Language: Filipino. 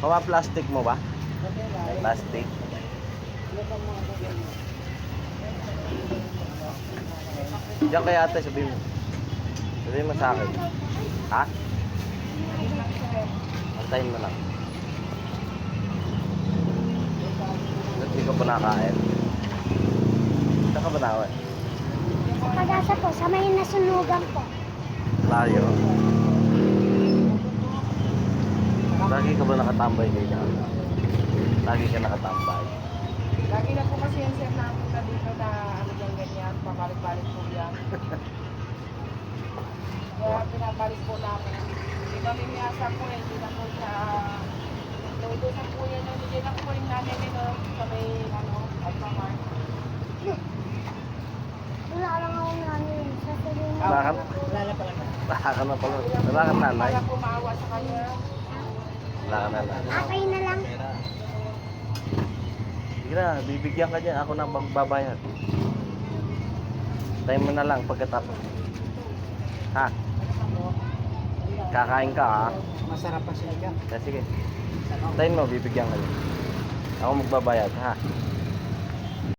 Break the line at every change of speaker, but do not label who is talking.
Kawa plastic mo ba? Plastic. Diyan kay ate, sabihin mo. Sabihin mo sa akin. Ha? Antayin mo lang. Hindi ka pa nakain. Saan ka ba nawa?
Sa Pag-asa po, sa may nasunugan po.
Layo. Lagi ka ba nakatambay dito? Lagi ka nakatambay.
Lagi na po kasi yung sir napunta dito na ano dyan ganyan, pabalik-balik po yan. Kaya pinabalik po namin. Hindi kami miyasa po eh, hindi na po siya... Nautusan po yan, hindi na po yung nanay nito sa may ano, Alphamart.
Wala lang akong namin. Sa tuloy na.
Bakit? Wala ka na pala. Wala ka nanay.
Para po maawa sa kanya.
Wala ka nanay.
Akay na lang.
Sige na, bibigyan ka dyan. Ako na magbabayad. Time mo na lang pagkatapos. Ha? Kakain ka ha?
Masarap pa siya dyan.
Sige. Time mo, bibigyan ka dyan. Ako magbabayad ha?